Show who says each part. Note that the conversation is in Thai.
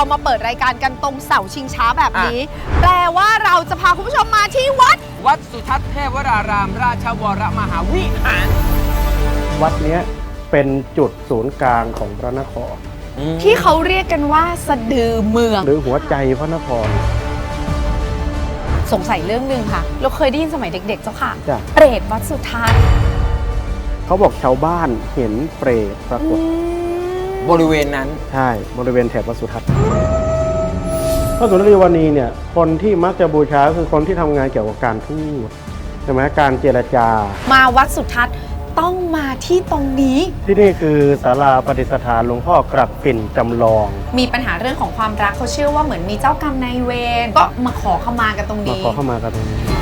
Speaker 1: มาเปิดรายการกันตรงเสาชิงช้าแบบนี้ แปลว่าเราจะพาคุณผู้ชมมาที่วัด
Speaker 2: สุทัศน์เทพวรารามราชวรมหาวิหาร
Speaker 3: วัดนี้เป็นจุดศูนย์กลางของพระนคร
Speaker 1: ที่เขาเรียกกันว่าสะดือเมือง
Speaker 3: หรือหัวใจพระนคร
Speaker 1: สงสัยเรื่องนึงค่ะเราเคยได้ยินสมัยเด็กๆเจ้าค่ะ
Speaker 3: จ้ะ
Speaker 1: เปรตวัดสุทัศน์
Speaker 3: เขาบอกชาวบ้านเห็นเปรตปรากฏ
Speaker 2: บริเวณนั้น
Speaker 3: ใช่บริเวณแถบวัดสุทัศน์พระสุนทรีวณีเนี่ยคนที่มักจะบูชาคือคนที่ทำงานเกี่ยวกับการพูดใช่ไหมการเจรจา
Speaker 1: มาวัดสุทัศน์ต้องมาที่ตรงนี้
Speaker 3: ที่นี่คือศาลาประดิษฐานหลวงพ่อกลับฝิ่นจำลอง
Speaker 1: มีปัญหาเรื่องของความรักเขาเชื่อว่าเหมือนมีเจ้ากรรมนายเวรก็มาขอเข้ามากันตรงนี้
Speaker 3: มาขอเข้ามากันตรงนี้